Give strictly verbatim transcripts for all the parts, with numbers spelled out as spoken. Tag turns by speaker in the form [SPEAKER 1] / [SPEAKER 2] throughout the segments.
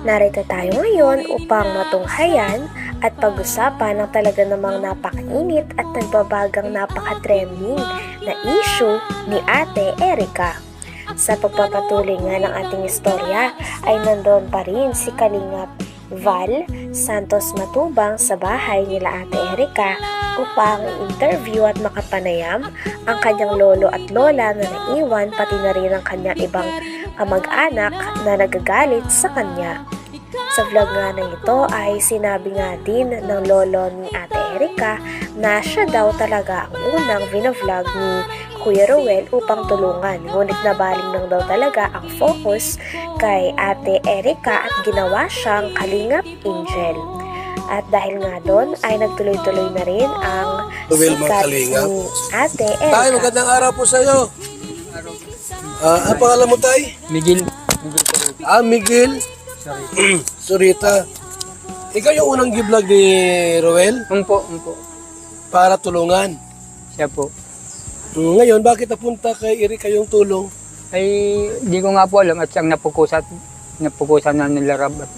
[SPEAKER 1] Narito tayo ngayon upang matunghayan at pag-usapan ng talaga namang napakainit at nagbabagang napaka-trending na issue ni Ate Erica. Sa pagpapatuloy nga ng ating istorya ay nandoon pa rin si Kalingap Val Santos Matubang sa bahay nila Ate Erica upang i-interview at makapanayam ang kanyang lolo at lola na naiwan, pati na rin ang kanyang ibang kamag-anak na nagagalit sa kanya. Sa vlog nga na ito ay sinabi nga din ng lolo ni Ate Erica na siya daw talaga ang unang vlog ni Kuya Ruel upang tulungan. Ngunit nabaling lang daw talaga ang focus kay Ate Erica at ginawa siyang Kalingap Angel. At dahil nga doon ay nagtuloy-tuloy na rin ang
[SPEAKER 2] Ruel,
[SPEAKER 1] sikat ni Ate Erica.
[SPEAKER 2] Tay, magandang araw po sa iyo. Uh, ang pangalan mo, Tay?
[SPEAKER 3] Miguel. Miguel
[SPEAKER 2] Ah, Miguel.
[SPEAKER 3] Sorry.
[SPEAKER 2] Surita. Ikaw yung unang gi-vlog ni Ruel
[SPEAKER 3] Umpo, umpo.
[SPEAKER 2] para tulungan.
[SPEAKER 3] Siya po.
[SPEAKER 2] Ngayon, bakit napunta kay Erica yung tulong?
[SPEAKER 3] Ay, di ko nga po alam at siyang napukusat, napukusan na nila Rab. At,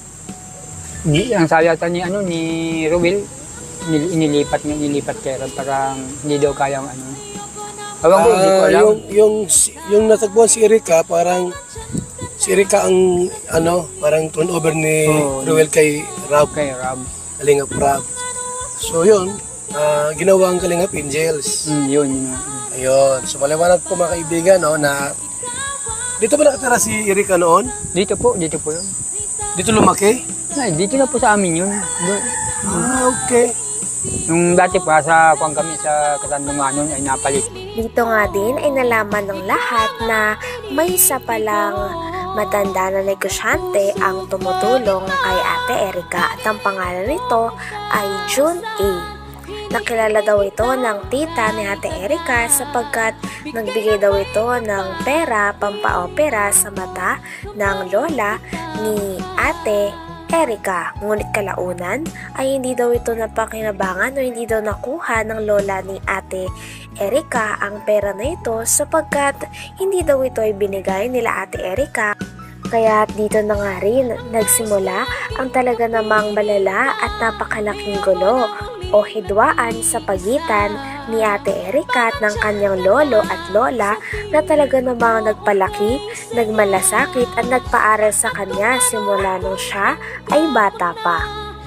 [SPEAKER 3] di, ang sabi ata ni, ano, ni Ruel, nil, inilipat nga, inilipat kay Rab. Parang hindi daw kayang ano. Awang ko, hindi ko
[SPEAKER 2] Ah,
[SPEAKER 3] alam.
[SPEAKER 2] yung, yung, yung natagpuan si Erica, parang si Erica ang ano, parang turnover ni
[SPEAKER 3] Oo.
[SPEAKER 2] Ruel kay Rab,
[SPEAKER 3] Kay Rab.
[SPEAKER 2] Kalingap Rab. So yun, ah, ginawa ang Kalingap Angels.
[SPEAKER 3] Mm, yun, yun. nga.
[SPEAKER 2] Ayun, so maliwanag po mga kaibigan, no, na dito ba nakatira si Erica noon?
[SPEAKER 3] Dito po, dito po yun.
[SPEAKER 2] Dito lumaki?
[SPEAKER 3] Ay, dito na po sa amin yun. Doon.
[SPEAKER 2] Ah, okay.
[SPEAKER 3] Nung dati pa, sa kuwang kami sa Katandungan nun, ay napalit.
[SPEAKER 1] Dito nga din ay nalaman ng lahat na may isa palang matanda na negosyante ang tumutulong kay Ate Erica at ang pangalan nito ay June A. Nakilala daw ito ng tita ni Ate Erica sapagkat nagbigay daw ito ng pera pampaopera sa mata ng lola ni Ate Erica. Ngunit kalaunan ay hindi daw ito napakinabangan o hindi daw nakuha ng lola ni Ate Erica ang pera na ito sapagkat hindi daw ito ay binigay nila Ate Erica. Kaya dito na nga rin nagsimula ang talaga namang malala at napakalaking gulo o hidwaan sa pagitan ni Ate Erica at ng kanyang lolo at lola na talaga namang nagpalaki, nagmalasakit at nagpaaral sa kanya simula nung siya ay bata pa.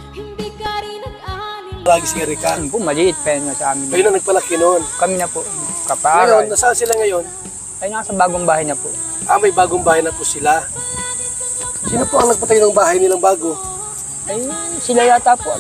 [SPEAKER 2] Lagi si Erica.
[SPEAKER 3] Yun po, maliit pa yun sa amin.
[SPEAKER 2] Kayo na nagpalaki noon.
[SPEAKER 3] Kami na po,
[SPEAKER 2] Ngayon,
[SPEAKER 3] kapaaral.
[SPEAKER 2] nasaan sila ngayon?
[SPEAKER 3] Ay, nasa bagong bahay na po.
[SPEAKER 2] Ah, may bagong bahay na po sila. Sino po ang nagpatayo ng bahay nilang bago?
[SPEAKER 3] Ay, sila yata po.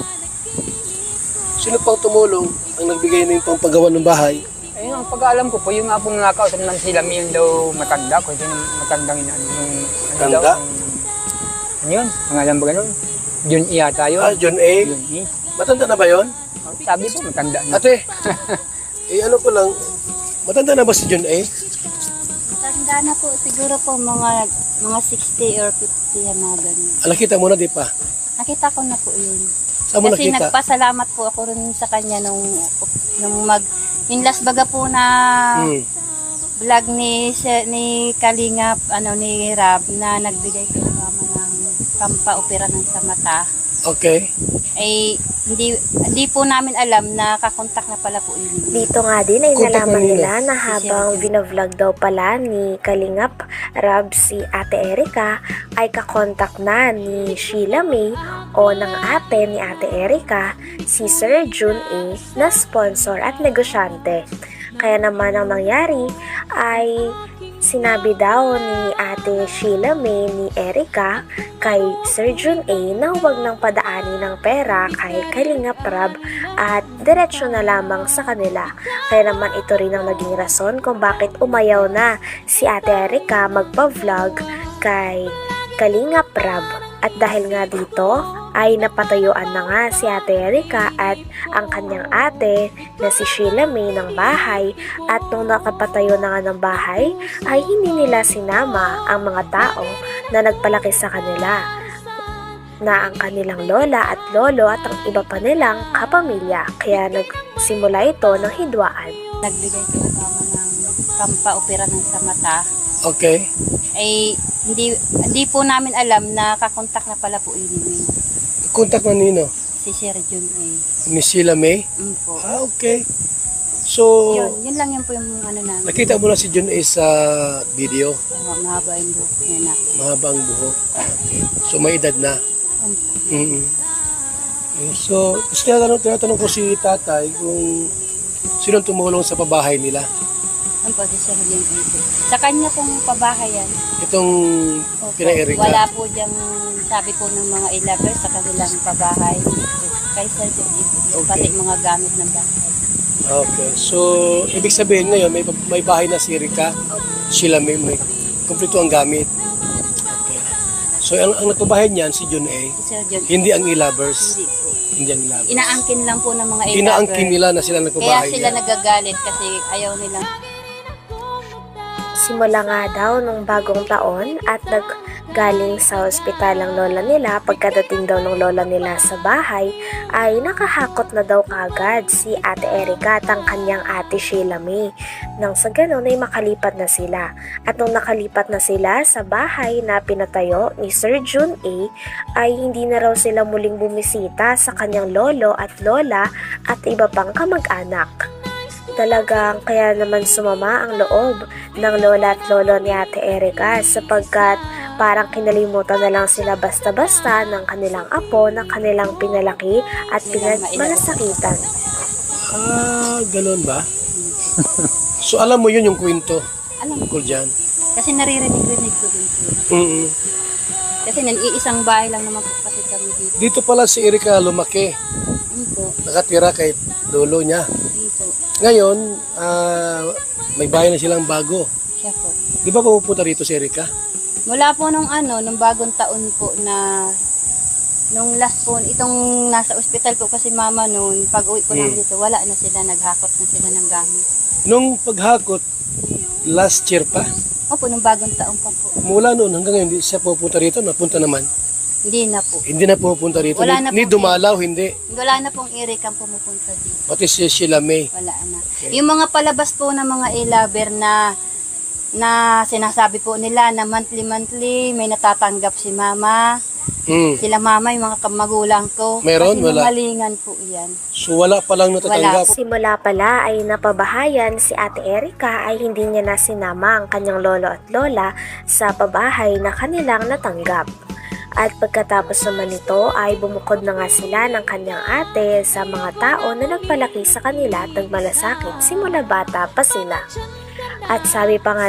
[SPEAKER 2] Sino po ang tumulong ang nagbigay na yung pampagawa ng bahay?
[SPEAKER 3] Ayun, ang pag-aalam ko po, yung nga pong nakausap naman sila, may yun daw matanda ko. Yung matandang yun, ano, yung, ano
[SPEAKER 2] Tanda?
[SPEAKER 3] daw, yung, ano yun, pangalan ba ganun? Jun E yata yun.
[SPEAKER 2] Ah, John A.
[SPEAKER 3] Jun E.
[SPEAKER 2] Matanda na ba yon?
[SPEAKER 3] Oh, sabi po, matanda na.
[SPEAKER 2] Ate, eh ano ko lang, matanda na ba si John A?
[SPEAKER 4] Tanda na po, siguro po mga mga sixty or fifty yan mga ganun.
[SPEAKER 2] Ala, kita mo na di pa.
[SPEAKER 4] Nakita ko na po yun.
[SPEAKER 2] Saan mo
[SPEAKER 4] Kasi
[SPEAKER 2] nakita?
[SPEAKER 4] nagpasalamat po ako rin sa kanya nung, nung mag, yung last baga po na
[SPEAKER 2] Hmm.
[SPEAKER 4] vlog ni, si- ni Kalingap, ano ni Rab, na nagbigay kay mama ng pampaopera ng sa mata.
[SPEAKER 2] Okay.
[SPEAKER 4] Ay hindi hindi po namin alam na kakontak na pala po yun.
[SPEAKER 1] Dito nga din ay
[SPEAKER 2] Kontak
[SPEAKER 1] nalaman
[SPEAKER 2] na nila.
[SPEAKER 1] nila na habang vinavlog daw pala ni Kalingap Rab si Ate Erica ay kakontak na ni Sheila May o ng ate ni Ate Erica si Sir June A na sponsor at negosyante. Kaya naman ang nangyari ay sinabi daw ni Ate Sheila May ni Erica kay Sir June A na huwag nang padaanin ng pera kay Kalingap Rab at diretsyo na lamang sa kanila. Kaya naman ito rin ang naging rason kung bakit umayaw na si Ate Erica magpa-vlog kay Kalingap Rab. At dahil nga dito ay napatayuan na nga si Ate Erica at ang kanyang ate na si Sheila May ng bahay, at nung nakapatayo na nga ng bahay ay hindi nila sinama ang mga tao na nagpalaki sa kanila na ang kanilang lola at lolo at ang iba pa nilang kapamilya. Kaya nagsimula ito ng hidwaan.
[SPEAKER 4] Nagbigay kay mama ng pampaopera ng sa mata.
[SPEAKER 2] Okay.
[SPEAKER 4] Ay hindi hindi po namin alam na kakontak na pala po yun ni
[SPEAKER 2] Contact na nino?
[SPEAKER 4] si Sir Jun ay.
[SPEAKER 2] Ni Sheila May?
[SPEAKER 4] Mm po.
[SPEAKER 2] Ah, okay. So,
[SPEAKER 4] Yun, yun lang yun po yung ano namin.
[SPEAKER 2] nakita mo na si John A sa video.
[SPEAKER 4] Uh, mahaba yung buhok niya na.
[SPEAKER 2] Mahaba ang buhok. Okay. So, may edad na.
[SPEAKER 4] Um,
[SPEAKER 2] Mm-hmm. So, gusto tinatanong, tinatanong ko si tatay kung sino tumulong sa pabahay nila.
[SPEAKER 4] ano po, si Sir Jun ay po. Sa kanya pong pabahayan.
[SPEAKER 2] Itong
[SPEAKER 4] Opo,
[SPEAKER 2] kina Erika.
[SPEAKER 4] wala po diyang sabi po ng mga ilabers sa kanilang pabahay. Kay Sir Jun ay po.
[SPEAKER 2] Okay.
[SPEAKER 4] Pati mga gamit ng bahay.
[SPEAKER 2] Okay. So, ibig sabihin ngayon, may, may bahay na si Erika. Sila may, may kumpleto ang gamit. Okay. So, ang, ang nagpabahay niyan, si John A,
[SPEAKER 4] Si Sir Jun,
[SPEAKER 2] hindi ang ilabers.
[SPEAKER 4] hindi po.
[SPEAKER 2] Hindi ang ilabers.
[SPEAKER 4] Inaangkin lang po ng mga ilabers.
[SPEAKER 2] Inaangkin nila na sila
[SPEAKER 4] Kaya
[SPEAKER 2] nagpabahay
[SPEAKER 4] sila
[SPEAKER 2] niya.
[SPEAKER 4] nagagalit kasi ayaw nilang
[SPEAKER 1] Simula nga daw nung bagong taon at naggaling sa ospital ang lola nila, pagkadating daw ng lola nila sa bahay ay nakahakot na daw kagad si Ate Erika at ang kanyang ate Sheila May. Nang sa ganon ay makalipat na sila. At nung nakalipat na sila sa bahay na pinatayo ni Sir Jun A ay hindi na raw sila muling bumisita sa kanyang lolo at lola at iba pang kamag-anak. Talagang kaya naman sumama ang loob ng lola at lolo ni Ate Erika sapagkat parang kinalimutan na lang sila basta-basta ng kanilang apo na kanilang pinalaki at pinagmalasakitan.
[SPEAKER 2] Ah, ganun ba? So, alam mo yun yung kwento
[SPEAKER 4] alam
[SPEAKER 2] tungkol dyan?
[SPEAKER 4] kasi naririnig-rinig ko din po.
[SPEAKER 2] Mm-mm.
[SPEAKER 4] Kasi nag-iisang bahay lang naman po kasi kami dito.
[SPEAKER 2] Dito pala si Erika lumaki.
[SPEAKER 4] Yun po.
[SPEAKER 2] Nakatira kay lolo niya.
[SPEAKER 4] Yun po.
[SPEAKER 2] Ngayon, ah, may bahay na silang bago.
[SPEAKER 4] Siya po.
[SPEAKER 2] Di ba pupunta rito si Erika?
[SPEAKER 4] Mula po nung ano, nung bagong taon po na nung last po, itong nasa ospital po kasi mama noon, pag uwi po namin
[SPEAKER 2] Hmm.
[SPEAKER 4] dito, wala na sila, naghakot na sila ng gamit.
[SPEAKER 2] Nung paghakot, last year pa,
[SPEAKER 4] Opo, nung bagong taon pa po.
[SPEAKER 2] mula noon hanggang ngayon, hindi siya pupunta rito, napunta naman.
[SPEAKER 4] Hindi na po.
[SPEAKER 2] Hindi na pupunta rito.
[SPEAKER 4] Wala
[SPEAKER 2] Ni,
[SPEAKER 4] na
[SPEAKER 2] ni
[SPEAKER 4] po.
[SPEAKER 2] dumalaw, hindi.
[SPEAKER 4] Wala na pong Erika pumupunta dito.
[SPEAKER 2] Pati si Sheila May.
[SPEAKER 4] Wala na. Yung mga palabas po ng mga e-lover na na sinasabi po nila na monthly-monthly may natatanggap si mama.
[SPEAKER 2] Mm.
[SPEAKER 4] Sila mama, yung mga magulang ko.
[SPEAKER 2] Meron?
[SPEAKER 4] Kasi
[SPEAKER 2] Wala.
[SPEAKER 4] malingan po yan.
[SPEAKER 2] So wala pa lang natatanggap.
[SPEAKER 1] Simula pala ay napabahayan si Ate Erika ay hindi niya na sinama ang kanyang lolo at lola sa pabahay na kanilang natanggap. At pagkatapos naman nito ay bumukod na nga sila ng kanyang ate sa mga tao na nagpalaki sa kanila at nagmalasakit simula bata pa sila. At sabi pa nga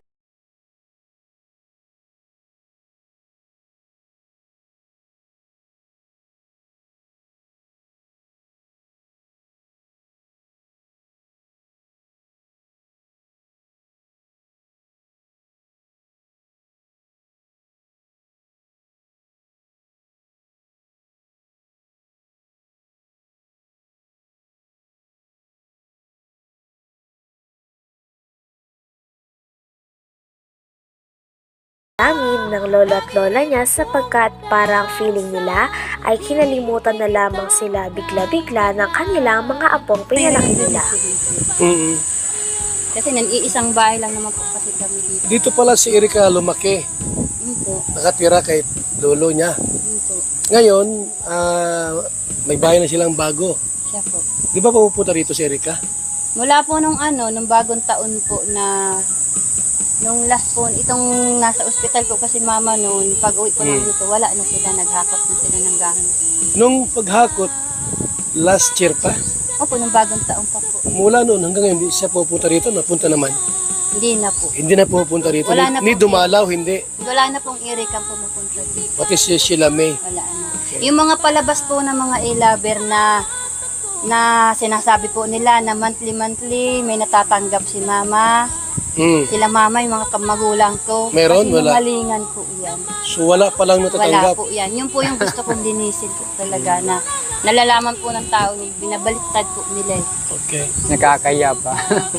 [SPEAKER 1] namin ng lolo at lola niya sapagkat parang feeling nila ay kinalimutan na lamang sila bigla-bigla ng kanilang mga apong pinalaki nila.
[SPEAKER 2] Mm.
[SPEAKER 4] Kasi nag-iisang bahay lang naman po kasi kami dito.
[SPEAKER 2] Dito pala si Erika lumaki.
[SPEAKER 4] Yun po.
[SPEAKER 2] Nakatira kay lolo niya.
[SPEAKER 4] Yun po.
[SPEAKER 2] Ngayon, ah, may bahay na silang bago.
[SPEAKER 4] Siya po.
[SPEAKER 2] Di ba pupunta rito si Erika?
[SPEAKER 4] Mula po nung ano, nung bagong taon po na nung last po, itong nasa ospital po kasi mama noon, pag uwi po namin
[SPEAKER 2] Hmm.
[SPEAKER 4] dito, wala na sila, naghakot na sila ng gamit.
[SPEAKER 2] Nung paghakot, last year pa,
[SPEAKER 4] Opo, nung bagong taon pa po.
[SPEAKER 2] mula noon hanggang ngayon, hindi siya pupunta rito, napunta naman.
[SPEAKER 4] Hindi na po.
[SPEAKER 2] Hindi na pupunta rito.
[SPEAKER 4] Wala
[SPEAKER 2] Ni,
[SPEAKER 4] na
[SPEAKER 2] ni
[SPEAKER 4] po.
[SPEAKER 2] dumalaw, hindi.
[SPEAKER 4] Wala na pong Erika pumupunta dito.
[SPEAKER 2] Pati si Sheila May.
[SPEAKER 4] Wala na. Yung mga palabas po ng mga e-lover na na sinasabi po nila na monthly-monthly may natatanggap si mama.
[SPEAKER 2] Mm.
[SPEAKER 4] Sila mama, yung mga magulang ko.
[SPEAKER 2] Meron?
[SPEAKER 4] Kasi
[SPEAKER 2] Wala.
[SPEAKER 4] malingan po yan.
[SPEAKER 2] So wala pa lang
[SPEAKER 4] Wala
[SPEAKER 2] natatanggap.
[SPEAKER 4] po yan. Yun po yung gusto kong linisin po talaga na nalalaman po ng tao, binabaliktad po nila eh.
[SPEAKER 2] Okay.
[SPEAKER 3] Nakakaya pa.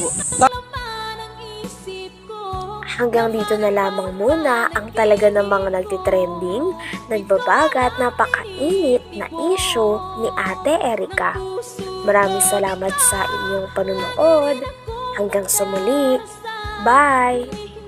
[SPEAKER 1] Hanggang dito na lamang muna ang talaga namang nagtitrending, nagbabaga at napakainit na issue ni Ate Erika. Maraming salamat sa inyong panunood. Hanggang sa muli. Bye!